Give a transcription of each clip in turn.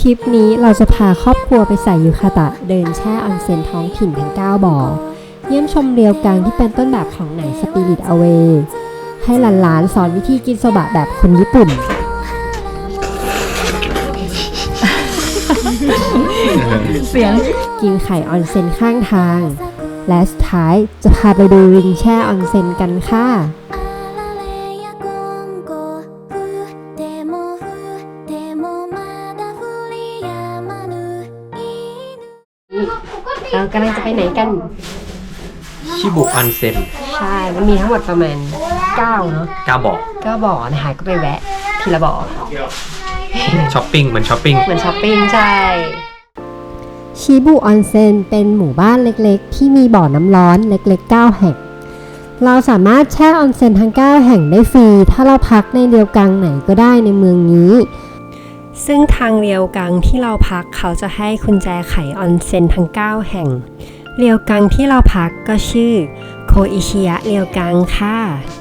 คลิปนี้เราจะพาครอบครัวไปใส่ยูคาตะเดินแช่ออนเซ็นท้องถิ่นทั้ง9บ่อเยี่ยมชมเรียวกังที่เป็นต้นแบบของหนังสปิริตอเวย์ให้หลานๆสอนวิธีกินโซบะแบบคนญี่ปุ่นเสียงกินไข่ออนเซ็นข้างทางและสุดท้ายจะพาไปดูริงแช่ออนเซ็นกันค่ะเรากำลังจะไปไหนกันชิบุออนเซ็นใช่มันมีทั้งหมดประมาณ9เนาะ 9บ่อ 9บ่อนะคะก็ไปแวะทีละบ่อช้อปปิ้งเหมือนช้อปปิ้งใช่ชิบุออนเซ็นเป็นหมู่บ้านเล็กๆที่มีบ่อน้ำร้อนเล็กๆ9แห่งเราสามารถแช่ออนเซ็นทั้ง9แห่งได้ฟรีถ้าเราพักในเรียวกังไหนก็ได้ในเมืองนี้ซึ่งทางเรียวกังที่เราพักเขาจะให้กุญแจไขออนเซ็นทั้ง9แห่งเรียวกังที่เราพักก็ชื่อโคอิชิยะเรียวกังค่ะ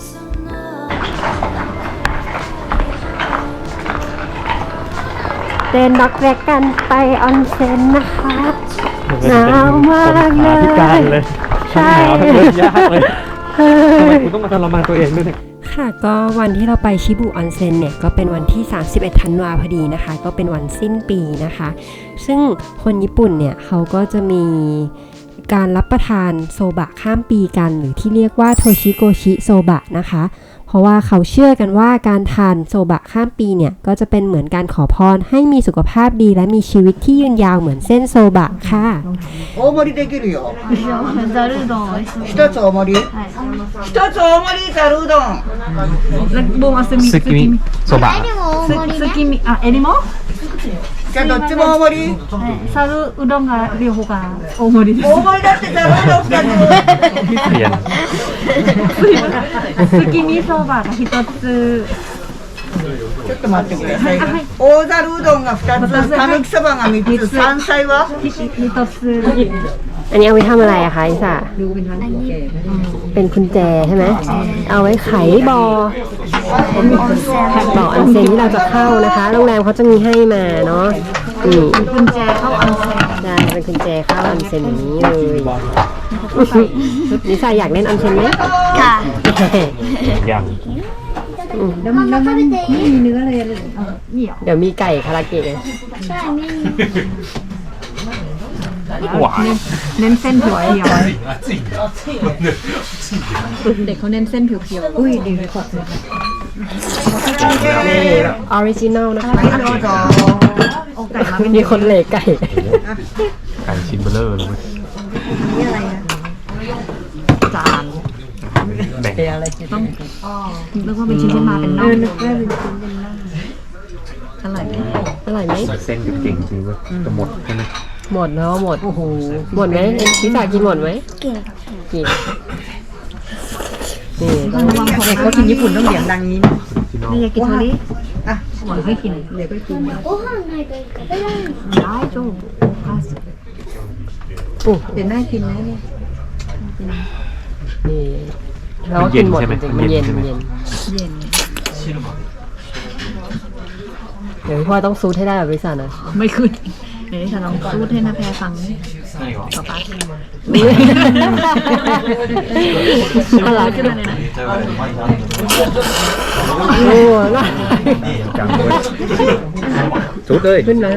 เดินด็อกแรกกันไปออนเซ็นนะคะหนาวมากเลยใช่ยากเลยทำไมคุณต้องมาทรมานตัวเองด้วยเนี่ยค่ะก็วันที่เราไปชิบุออนเซ็นเนี่ยก็เป็นวันที่31ธันวาพอดีนะคะก็เป็นวันสิ้นปีนะคะซึ่งคนญี่ปุ่นเนี่ยเขาก็จะมีการรับประทานโซบะข้ามปีกันหรือที่เรียกว่าโทชิโกชิโซบะนะคะเพราะว่าเขาเชื่อกันว่าการทานโซบะข้ามปีเนี่ยก็จะเป็นเหมือนการขอพรให้มีสุขภาพดีและมีชีวิตที่ยืนยาวเหมือนเส้นโซบะค่ะ大盛りできるよ。 ざるうどん一つ大盛り。一つ大盛りざるうどん。 ボンアスミซึกิมิโซบะスキミあエリもじゃあどっちも大盛り。 ざるうどんが両方が大盛りです大盛りだってざるうどん二つ。 เปลี่ยนスキミそばが一つちょっと待ってください。大ざるうどんが二つ、たぬきそばが三つ、山菜は？ 一つอันนี้เอาไว้ทำอะไรอะคะอิสระเป็นกุญแจใช่ไหมเอาไว้ไขบ่อออนเซ็นที่เราจะเข้านะคะโรงแรมเขาจะมีให้มาเนาะกุญแจเข้าออนเซ็นใช่เป็นกุญแจเข้าออนเซ็นอย่างนี้เลยนิสาอยากเล่นออนเซ็นไหมค่ะยังแล้วมันไม่มีเนื้อเลยเหนียวเดี๋ยวมีไก่คาราเกะใช่หวานเน้นเส้นเพียวเด็กเขาเน้นเส้นเพียวอุ้ยดีเลยขอบคุณออริจินอลนะคะไก่มาเป็นมีคนเหลกไก่ชิ้นเบลอเลยนี่อะไรนะจานแบ่งอะไรต้องนึกว่าเป็นชิ้นมาเป็นน่องอร่อยไหมเส้นเก่งจริงว่าจะหมดใช่ไหมหมดแล้วหมดโอ้โหหมดไหมพิซซ่ากินหมดไหมกินนี่เด็กเขากินญี่ปุ่นต้องเลี้ยงดังนี้นี่อยากกินโทริอ่ะหมดให้กินเด็กก็กินได้จูเดี๋ยวน่ากินนะเนี่ยนี่เรากินหมดจริงมันเย็นเดี๋ยวพ่อต้องซูทให้ได้แบบพิซซ่านะไม่ขึ้นเดี๋ยวจะลองซูทให้นาแพรฟังต่อไปอะไรขึ้นมาเนี่ยโอ้ล่ะจังเลยสุดเลยขึ้นนะ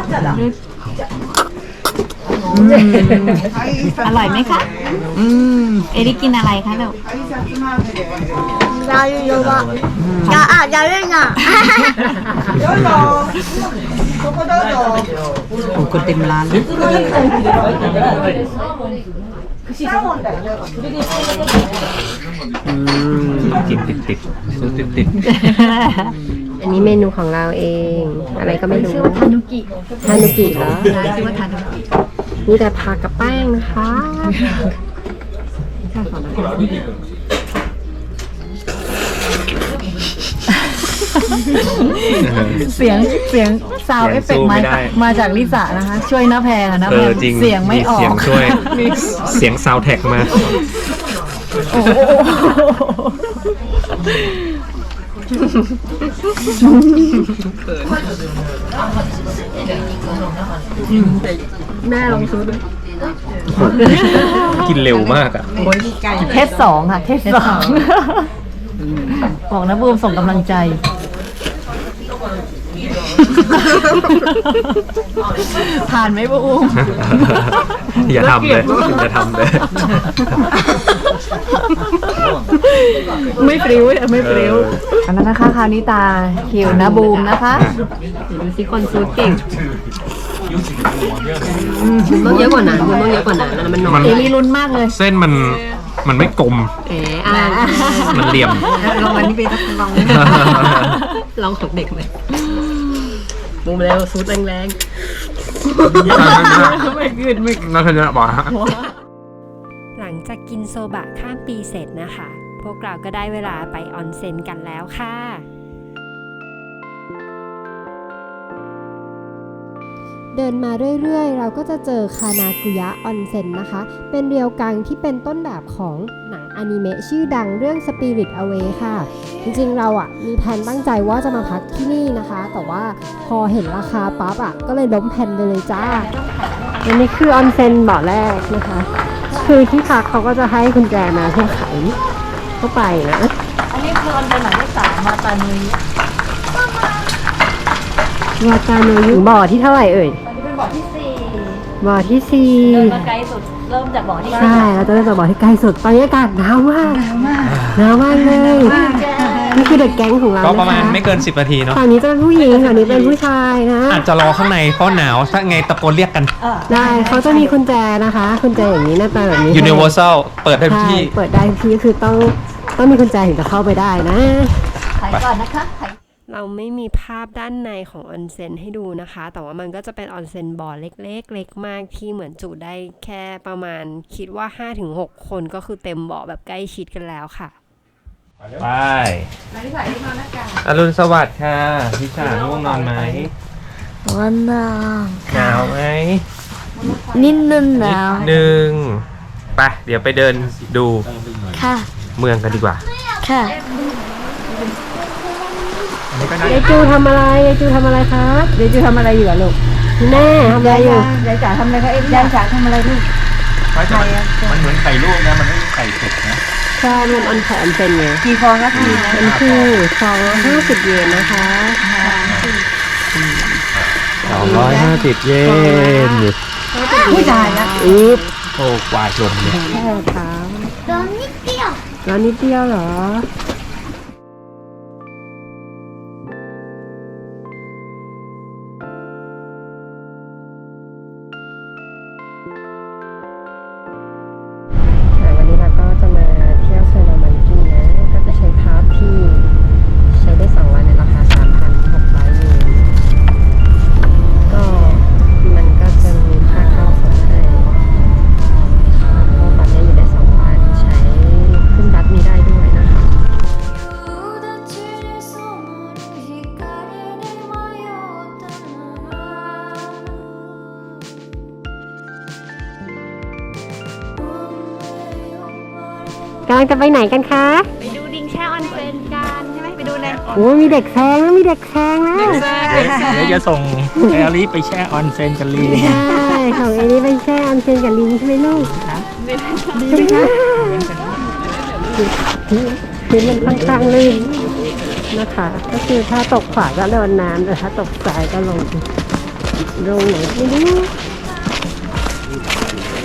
อร่อยไหมคะเอริกินอะไรคะลูกラー油は。 やるなどうぞ。ここどうぞ。 คนเต็มร้านกินติดสูตรติดอันนี้เมนูของเราเองอะไรก็ไม่รู้ชื่อว่าทานุกิเหรอชื่อว่าทานุกิมีแต่ผักกับแป้งนะคะเสียงซาวเอฟเฟกต์มาจากลิซ่านะคะช่วยน้าแพงนะแพงเสียงไม่ออกเสียงช่วยเสียงซาวแท็กมาแม่ลองซื้อดูกินเร็วมากอ่ะเทสสองค่ะ เทสสองบอกนะบูมส่งกำลังใจ ผ่านไหมบูมอย่าทำเลยอย่าทำเลยไม่ปริ้วไม่ปริ้วอันนั้นนะคะคราวนี้ตาคิวนะบูมนะคะดูสิคนซูดเก่งต้องเยอะกว่านั้นต้องเยอะกว่านั้นแล้วมันน้อยเอลี่ลุ้นมากเลยเส้นมันไม่กลม มันเหลี่ยมลองวันนี้ไปลองลองของเด็กไหมมุมแล้วซูดแรงไม่ขึ้นไม่น่าจะบอกฮะๆหลังจากกินโซบะข้ามปีเสร็จนะคะ พวกเราก็ได้เวลาไปออนเซ็นกันแล้วค่ะ เดินมาเรื่อยๆ เราก็จะเจอคานากุยะออนเซ็นนะคะ เป็นเรียวกังที่เป็นต้นแบบของหนังอนิเมะชื่อดังเรื่อง Spirit Away ค่ะ จริงๆ เรามีแผนตั้งใจว่าจะมาพักที่นี่นะคะ แต่ว่าพอเห็นราคาปั๊บก็เลยล้มแผนไปเลยจ้า อันนี้คือออนเซ็นบ่อแรกนะคะ คือที่พักเขาก็จะให้กุญแจมาเพื่อไขเข้าไปนะอันนี้คือออนเป็นหมายเลข3มาตานุยวาจาโนยุบ่อที่เท่าไหร่เอ่ยอันนี้เป็นบ่อที่บ่อที่ 4 เดินมา 4 ไกลสุดเริ่มจากบ่อที่ใช่ เราจะเริ่มจากบ่อที่ใกล้สุด ตอนนี้อากาศหนาวมากหนาวมากเลย นี่คือเด็กแก๊งของเราก็นะคะประมาณไม่เกิน 10 นาทีเนาะฝั่งนี้จะเป็นผู้หญิงฝั่งนี้เป็นผู้ชายนะอาจจะรอข้างในเพราะหนาว ถ้าไงตะโกนเรียกกันได้เขาจะมีกุญแจนะคะกุญแจอย่างนี้หน้าตาแบบนี้ Universal เปิดได้ทุกใช่ที่เปิดได้ทุกที่คือต้องมีกุญแจถึงจะเข้าไปได้นะถ่ายก่อนนะคะเราไม่มีภาพด้านในของออนเซ็นให้ดูนะคะ แต่ว่ามันก็จะเป็นออนเซ็นบ่อเล็กๆเล็กมากที่เหมือนจุได้แค่ประมาณคิดว่า 5-6 คนก็คือเต็มบ่อแบบใกล้ชิดกันแล้วค่ะไปอรุณสวัสดิ์ค่ะพี่ชาง่วงนอนไหมวันนาหนาวไหมนิดนึงหนาวหนึ่งไปเดี๋ยวไปเดินดูค่ะเมืองกันดีกว่าค่ะยายจูทำอะไรยายจูทำอะไรครับเดี๋ยวจะทำอะไรอยู่อะลูกแม่ทำอะไรอยู่ยายจ๋าทำอะไรคะเอ็มยายจ๋าทำอะไรลูกมันเหมือนไข่ลวกนะ มันไม่มีไข่สุกนะใช่มันออนไข่ออนเซ็นไงกี่ฟองคะพี่นะเป็นคือซองละ50 เยนนะคะ 250 เยนผู้ชายนะอีฟโอ้กวาดลมเลยแค่ครับร้อนนิดเดียวแล้วนิดเดียวเหรอ วันนี้เราก็จะมาเที่ยวเซโนมันกี้นะ ก็จะใช้พาสที่ใช้ได้ 2 วันในราคา 3,600 เยน ก็มันก็จะมีค่าเข้าส่งให้เพราะบัตรนี้อยู่ได้ 2 วัน ใช้ขึ้นบัตรนี้ได้ด้วยนะคะ กำลังจะไปไหนกันคะไปดูดิงแช่ออนเซ็นกันใช่ไหมไปดูเลยโอ้มีเด็กแซงแล้วมีเด็กแซงแล้วเดี๋ยวจะส่งแอลลี่ไปแช่ออนเซนกับลีใช่ของเอนี่ไปแช่ออนเซ็นกับลิงใช่ไหมลูกดีไหมคะพื้นมันค่อนข้างลื่นนะคะ ก็คือถ้าตกขวาก็โดนน้ำแต่ถ้าตกซ้ายก็ลงไหนไม่รู้